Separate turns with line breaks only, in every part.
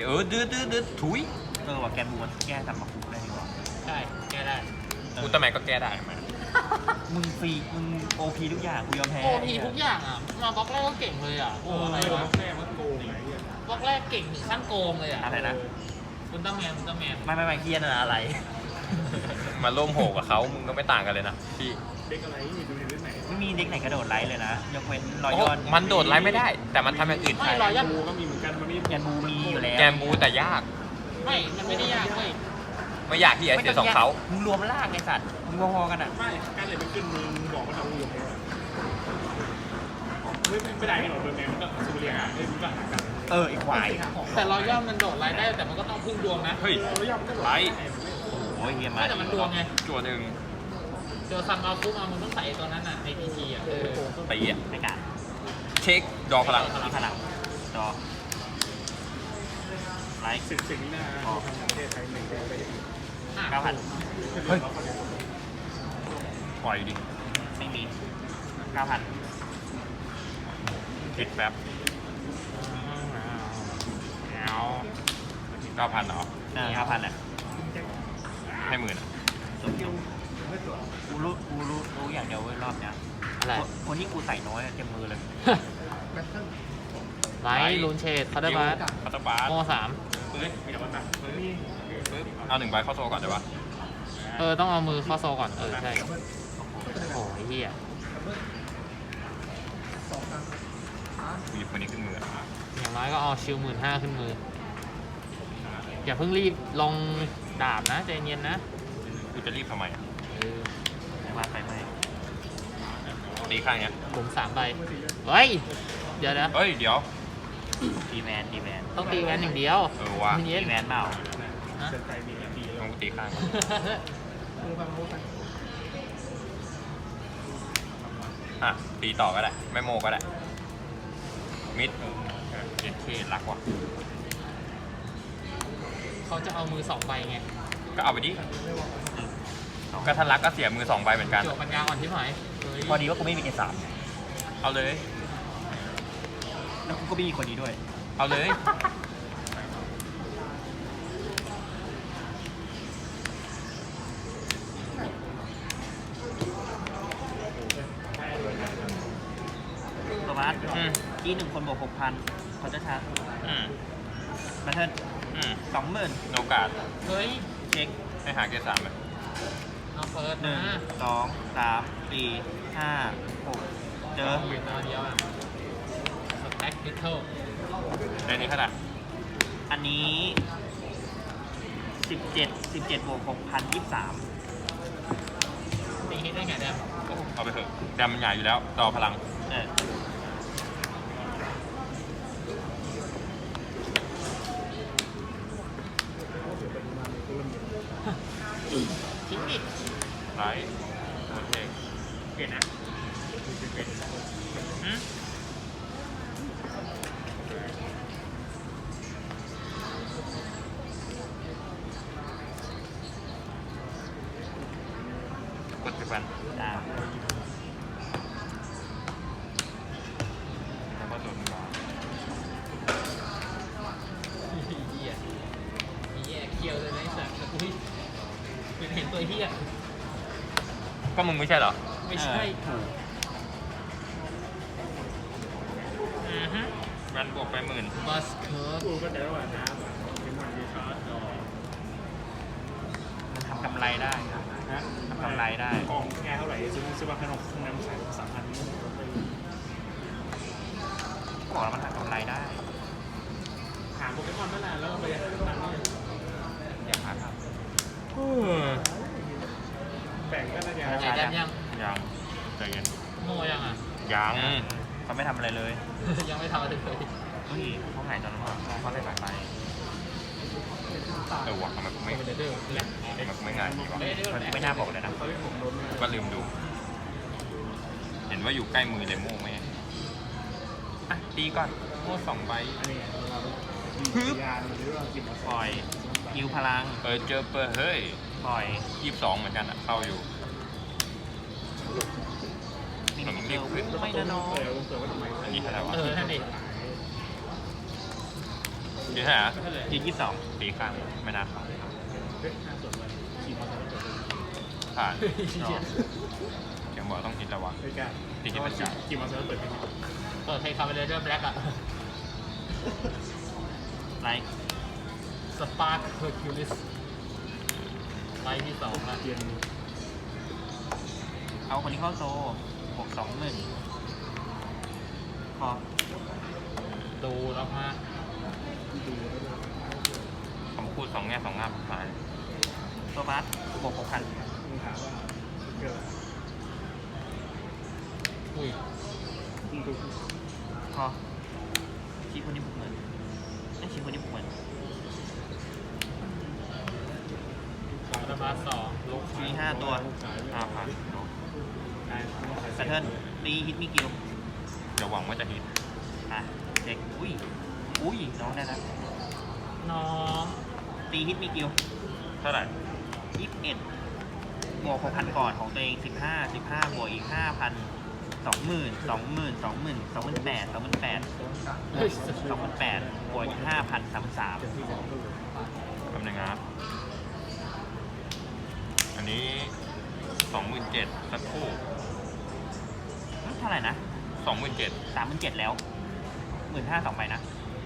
ดื้อถุย
ว่าแกนบูมันแก้ทำมาคุกได้ดีกว่า
ใช่แก้ได้
อุลตร้าแมนก็แก้ได้ไหม
มึงฟรีมึงโอพีทุกอย่างกูยอมแพ้
โอพีทุกอย่างอ่ะมาบล็อกแรกก็เก่งเลยอ่ะโอ้อะไรวะ
แม่มันโกงไงเนี่ย
บล็อกแรกเก่งถึงขั้นโกงเลยอ่ะ
อะไรนะ
คุณต้องแมน
ไม่เฮียนะอะไร
มาร่วมโหกับเขามึงก็ไม่ต่างกันเลยนะพี่
เด็กอะไรนี่ดูในเรื่องไหน
ไม่มีเด็กไหนกระโดดไลท์เลยนะยกเว้นรอย
โอ้
ยอด
มันโดดไล่ไม่ได้ แต่มันทำอย่างอื่น
ไม่
ได้
รอยยัน
บูก็มีเหมือนกันมันไม่
แกนบูมีอยู่แล้ว
แกมบูแต่ยาก
ไม่มันไม่ได้ยากเว้ย
ไม่อยากที่ไอเสียสองเขา
มึงรวมล่างไอ้สัตว์มึงพอๆกันอ่ะ
ไม่การเลยไปขึ้นมึงบอกว่าเราอยู่ไหนไม่ได้หรอกเบอร์แมนมันก็สูเรียอ่ะมันก็หากัน
ไอ้ควาย
แต่รอยย่อมันโดดไล่ได้แต่มันก็ต้องพึ่งดวงนะ
เฮ้ย
แล้วย่อมก็
ไล่
โอ้ยเฮียมา
ไม่แต่มันดวงไง
จั่วหนึ่ง
เจอซันมาปุ๊บมึงต้องใส่ตัวนั้นอ่ะในพีทีอ่ะ
ตีอ่ะ
ไม่กล้า
เช็คดอพลัง
มีพลังจอไลท์
สิ่งนี้นะทางประเทศไทยหนึ่งได้
9,000 เฮ้ย
ปล่อยดิ
ไม่มี 9,000
คิดแป๊บเอา9,000เหรอ
9,000อ่ะ
ให้หมื่นอ่ะ
กูรู้อย่างเดียวเว้ยรอบเนี้ย
อะไร
คนที่กูใส่น้อยอะเต็มมือเลย
ไลท์ลูนเชดคาร์ดบัส
คาตาบาส
โม3
มีแต่ว่าแบบ
ปึ๊บเอา1ใบเข้าโซ่ก่อนได้ปะ
ต้องเอามือเข้าโซก่อนใช่โอ้ยเฮีย
หยิบคนนี้ขึ้นมืออ่ะ
อย่างน้อยก็เอาชิล15,000ขึ้นมืออย่าเพิ่งรีบลงดาบนะใจเย็นนะ
กูจะรีบทำไมอ่ะ
ว่าไปไหม
ตีข้างเนี้ย
ผม3ใบเฮ้ยเดี๋ยวนะ
เฮ้ยเดี๋ยว
ดีแมน
ต้องตีแวนอย่างเดียว
ว่ะ
เย็น
ดีแมนเปล่า
นะ
เดินใจมีดี
ต้องกูตีข้างอ่ะตีต่อก็ได้ไม่โมก็ได้มิดเอ็นเครักว่ะ
เขาจะเอามือ2ใบไง
ก็เอาไปดิก็ทันรักก็เสียมือ2ใบเหมือนกัน
จั่วปัญญาอ่อนที่หาย
พอดีว่ากูไม่มี A3
เอาเลย
แล้วกูก็ไม่มีคนนี้ด้วย
เอาเลย
ตัวบัส
อืม
1 คนบวก 6,000เขาจะชาร์จ
อืม
มาเทิร์น
อืม
20,000
โอกาส
เฮ้ย
เช็ค
ให้หาเกียร์3ไหม
เอาเฟิร์ส
1
นะ
2 3 4 5 6 เจอ
เตัวเดียวอ่ะสแต็กดิทเทิล
ได้นี้เท่าไหร่
อันนี้ 17บวก 6,000 23
ตีฮิตได้ไงเนี่ย
เอาไปเถอะแดมมันใหญ่อยู่แล้วต่อพลัง
ทิ้งดิ
ไลท์โอเค
เปลี่ยนนะ
อืมกดไปกัน
อ่า
แล้วก็โดดมา
เฮียมีแย่เคียวเลยนะไอ้สัตว์อุ้ยเป็นเห็นตัวเฮีย
ก็มึงไม่ใช่เหรอ
ไม่ใช่
ถูก
มันบวกไป10,000
บัสเคิร์ฟ
กูก็แต่ว่าน้ำเป็นวันดีชาร์จ
มันทำกำไรได้นะทำกำไรได้
กองแค่เท่าไหร่ซื้อมาขนมน้ำใส่3,000นี่
ก็บอกแล้วมันทำกำไรได้
หาโปเกมอนเมื่อไหร่แล้วไปตังค์นี่
อย่าหาท
แบ่งก็น่าจะ
ไอ้ดันยัง
ยังใจเย็น
โมยังอ่ะ
ยัง
ำเขาไม่ทำอะไรเลย
ยังไม่ทำอะไรเลย
เฮ้ยเขาหายตอนนั้นเขาเลยหายไป
ว่ะทำไมกูไม่
เดอร์แหละ
ทำไมกูไม่ง่ายดีวะ
มันไม่น่าบอกเลยนะ
ก็ลืมดู เห็นว่าอยู่ใกล้มือเลโม่ไหมอ่ะตีก่อนโม่2ใบ
อันนี้เรายานหรือว่ากิน
ปล่อยยิวพลัง
เจอเปิดเฮ้ย
ปล่อย
22เหมือนกันอ่ะเข้าอยู่
นี่มันเร็วไม่นะน้อง
เปิดว่าทำไม
อันนี้เท่าไหร่วะ
นั่นดิ
ยืนเท่าไหร่อะ
ไม่ใช่เลย
ยืน22
ตีข้างไม่น่าเข้า
เฮ้ย5 ส่วนวันขี่มอเตอร์ไซค์
ผ่าน
เปิดเพลง
เขียนบอกต้องฮิตแล้ววะ
ไม่กล้า
ตีที่เป็นจ่าย
ขี่มอเตอร์ไซค์เปิดเพลง
เปิดเพลงคาร์บอนเดอร์แบล็กอะ
ไลค์
สปาร์คเฮอร์คิวลิสไลท์ที่2นะ
เกียน
เอาคนนี้เข้าโซบวก20,000พอ
ดูแล้วมา
ดูแล้ว
ผมพูดสองแง่สองงามผ่าน
โซบัสบวก6,000
มึงถามว่าเกิด
อุ้ย
มึงดู
พอชี้คนนี้บุกเหมือนไม่ชี้คนนี้บุกเหมือน
ของธรรมะ2ลก
ชี้5 ตัว
5,000
แพทเทิร์นตีฮิตมีกิล
เดี๋ยวหวังว่าจะฮิต
อ่ะเด็กอุ้ยน้องได้แล้ว
น้อง
ตีฮิตมีกิล
เท่าไหร่
21บวก6,000ก่อนของตัวเอง15บวกอีก 5,000 20,000 28,000
เฮ้ย
บวกอีก 5,000 33,000
แป๊บนึงนะอันนี้ 27,000สักครู่
เท่าไหร่นะ
27,000
37,000แล้ว15,000 2ใบนะ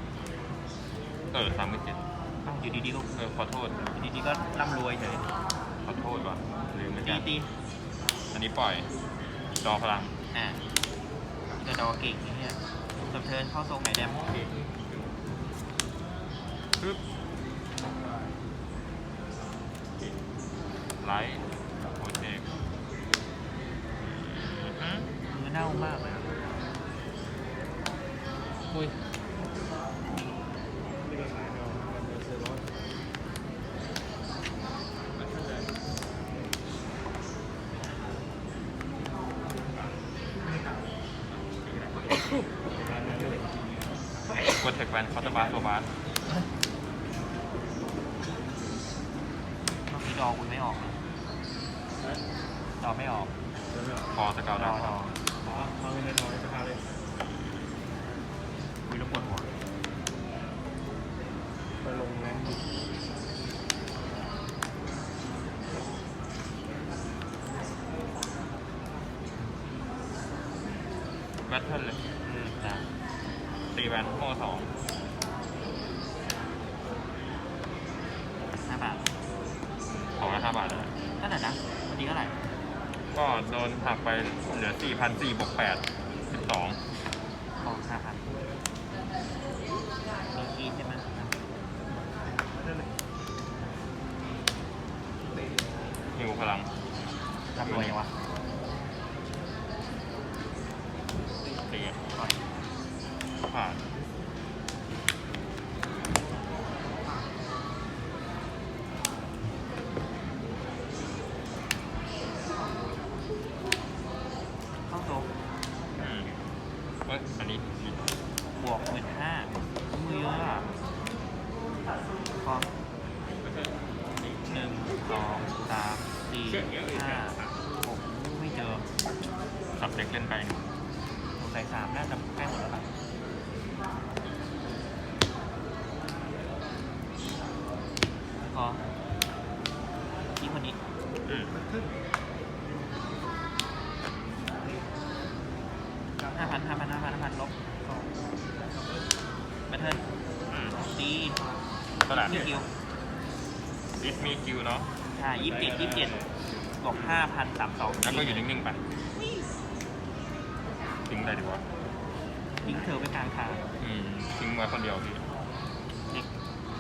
37,000
อ้าวอยู่ดีๆก็
ขอโทษ
อยู่ดีๆก็ร่ำรวยเฉย
ขอโทษว่ะลืมเหมือน
ตี
กัน
ตี
อันนี้ปล่อยจอพลัง
อ่ะกระดอเก่งอย่างเงี้ยจบเทิร์นเข้าทรงไหนแดม
ปึ๊บไลท์โปรเจกต์
มือเน่ามากเลยอะ
อุ้ย
นี่ก็สายเนาะมันเซอร์รอส
กดเทคแวนคอร์ตบาร์โซบาร์
เมื่อกี้ดอคุณไม่ออกดอไม่ออก
แล้วเนี่ย
พอสเกล
ด
ดา
อ
ว
ดอ
ขอเอาเงินน้อยๆจะพาเลย
คุยแล้วปวดหัว
ไปลงแรงดิ
แบทเทิลเลย
นะ
ตีแวนโม่2
5 บาท
ของละ5 บาทเลย
เท่าไหร่นะวันนี้เท่าไหร่
ก็โดนหักไปเหลือ 4,400 บวก 8 12
ออก5,000มีคีย์ใช่ไหม
หิวพลัง
ร่ำรวยยังวะ
ตี
ก่อน
ผ่าน
เข้าโซ
เอ้ยอันนี้
บวก15,000มือเยอะอ่ะพอ1 2 3 4 5 6ไม่เจอ
สับเด็กเล่นไป
สงสัย3น่าจะใกล้หมดแล้วป่ะพอที่คนนี้
อืม
5,000 ลบแบทเทิล
อืม
ตี
เท่าไหร่
มีคิว
ดิสมีคิวเนาะ
ใช่27บวก5,032
แล้วก็อยู่นิ่งๆไปทิ้งได้ดีวะ
ทิ้งเธอไปกลางทาง
ทิ้งไว้คนเดียวพี่
เด็ก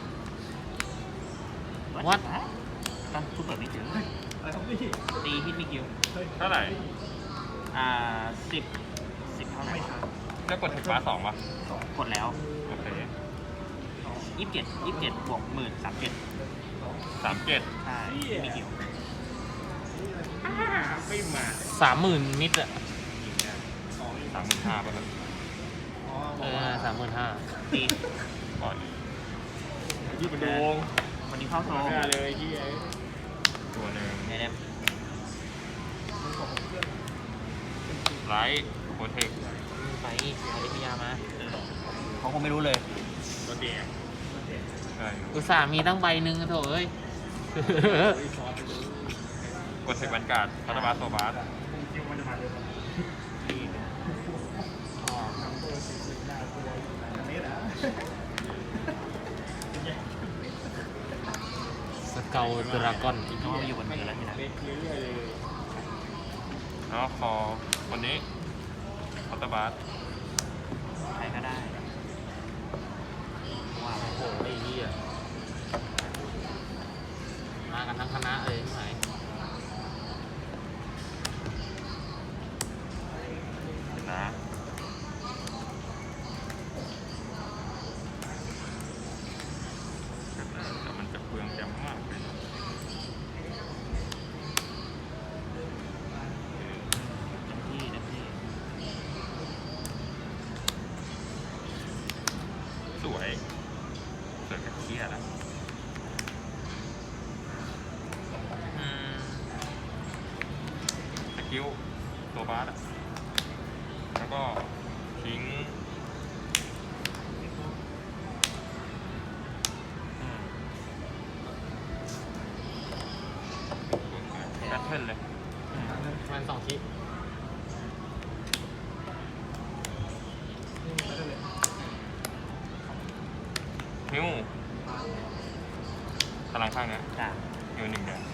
วัด
ตั้งทุกเปิดไม่เจอ
อะไรครับพี่
ตีฮิตมีคิว
เท่าไหร่
10เท่าไหร่
แล้วกดเทคบาร์2ป่ะ
กดแล้ว
โอเค
27บวก10,37
37
ใช่มีคิว
ไม่มา
30,000มิดอะ
35,000ป่ะครับ
35,000
ตี
ก่อน
ยี่เป็นโดง
คนนี้เข้าโซ
มาเลยที่ไอ้
ตัวหนึ่ง
ไหนเดม
ไลท์โปรเทค
ไปอริพยามา
เขาคงไม่รู้เลย
ตัวเดีย
ใช่
อุตส่าห์มีตั้งใบหนึ่งอะโถเอ้ย
กดเทคบรรการพัตบาสโซบาส
สเกลดราก้อน
อีกน้องอยู่บนมือแล้วทีนะ
แล้วคอคนนี้พัตบาส
ใครก็ได้ว่า
โอ้โหไอ้เหี้ยมากันทั้งคณะเลยใช่ไหม
นะแต่มันจะเปลืองแกมมากเลยนะ
เต็มที่เต็มที่
สวยสวยกับเคียแล้วสกิลตัวบาสอะแล้วก็ทิ้งแพทเทิร์นเลย
มันสองชิ้น
นิ้วพลังข้างเนี้ย
จ้ะ
นิ้วหนึ่งเนี่ย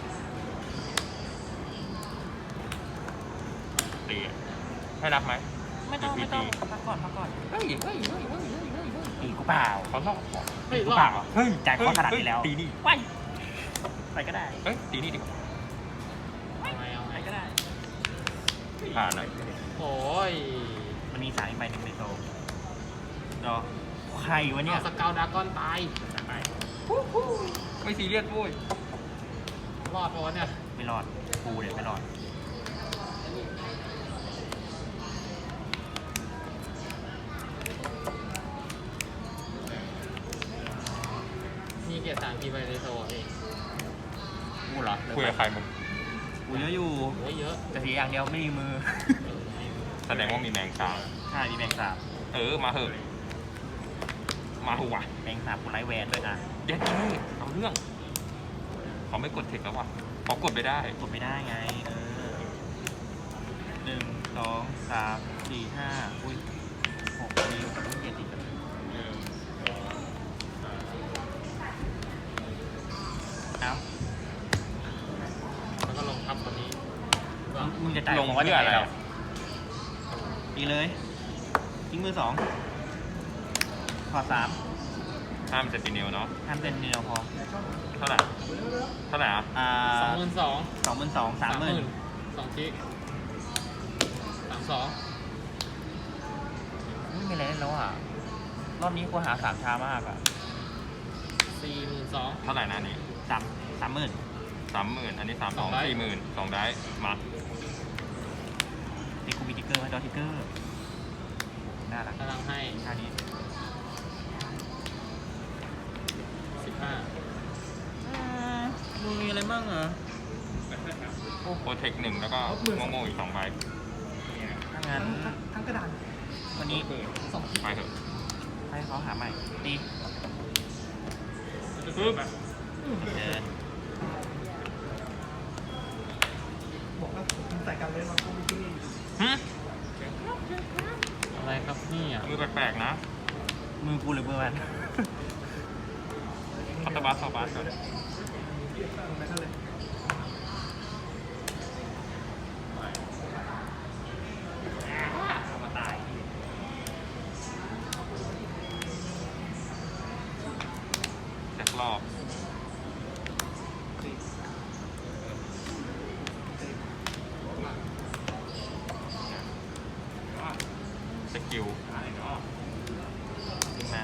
ตีอะให้นับไหม
ไม่ต้องไม่ต้องพักก่อนพักก่อน
เฮ้ยเฮ้ยเฮ้ยเฮ้ยเฮ้ยเฮ้ย
อีกกูเปล่า
เขาลอกเหรอ
เฮ้ย
กู
รอ
เป
ด
ล่าเฮ้ยจ่ายข้อขนาดนี้แล้ว
ตีนี่
ว้ายไปก็ได้
เอ้ยตีนี่ดีกว่า
เอาไงเอา
ไป
ไง
ก็ได้
ผ่านเลย
โอ้ย
มันมีสายอีกใบหนึ่งในโซลรอใครวะเนี่ย
เอาสเกลดราก้อนตาย
ไป
ไม่ซีเรียสโว้ย
รอดเพราะว่าเนี่ย
ไม่รอดกูเดี๋ยวไม่รอด
มีเกียรติ3 ทีไปในโซเอง
กูเหรอ
คุยกับใครมึง
กูเยอะอยู่
โอ้ยเยอะ
แต่ทีอย่างเดียวไม่มีมือ
แสดงว่ามีแมงสาบ
ใช่มีแมงสาบ
มาเหอะมาหัวะ
แมงสาบกูไร้แวนด้วยนะ
เย็ดเท่เอาเรื่องเขาไม่กดเทคแล้ววะเขากดไปได้
กดไม่ได้ไง1 2 3 4 5อุ้ย6นิ้วเจ็ดอีกเอ้า
แล้วก็ลงทับคนนี้
มึงจะจ่าย
ลง
ผมว่า
เพื่ออะไร
ยังงดีเลยทิ้งมือ2ขอ3
ห้ามเซนติเนลเนาะ
ห้ามเต้นเดียวพอ
เท่าไหร่เท่าไหร่อ่ะ
22,000
22,000 30,000
2ชิ้น32
ไม่มีอะไรเล่นแล้วอ่ะ รอบนี้กูหา3ช้ามากอ่ะ
42,000
เท่าไหร่นะอันนี้
30,000
30,000อันนี้32,000
สองได้
40,000 2ได้มา
นี่กูมีติ๊กเกอร์ไหมดอติ๊กเกอร์น่ารัก
กำลังให้
ท่านี้
15
มึงมีอะไรบ้างเหรอ
โปรเทค1แล้วก็โง่ๆอีก2ใบ
ถ้างั้นทั้งกระดานวันนี้
ไปเถอะ
ให้เขาหาใหม่ตี
ปึ๊บ
เดิน
หึ
อะไรครับนี่อ่ะ
มือแปลกๆนะ
มือกูหรือมือมัน
พัตบาสซาบาสก่อนแจ็ครอบสกิล
ขึ้นมา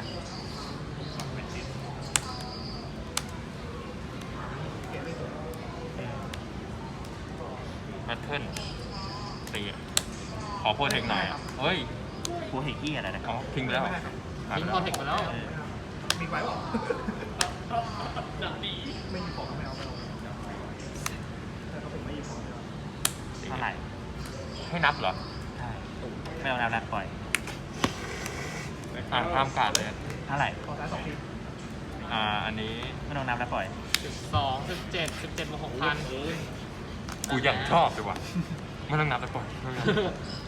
แพทเทิร์นตีอะขอโปรเทคหน่อยอ่ะเฮ้ย
กูเห็นขี้อะไรนะ
อ๋อทิ้งไปแล้วเหรอ
ทิ้งคอเทคไปแล้ว
เออ
มีไว้เปล่า
ดับดี
ไม่มีของก็ไม่เอาแต่เขาเป็นไม่มีของไม่เอา
เท่าไหร่
ให้นับเหรอ
ใช่ไม่เอาแล้วนะปล่อย
ห้ามการดเลย
เท่าไหร่
ขอซ้าย2 ที
อันนี้
ไม่ต้องนับแล้วปล่อย
12 17 17บวก6,000
กูยังชอบเลยว่ะไม่ต้องนับแต่ปล่อยไม่ต้องนับ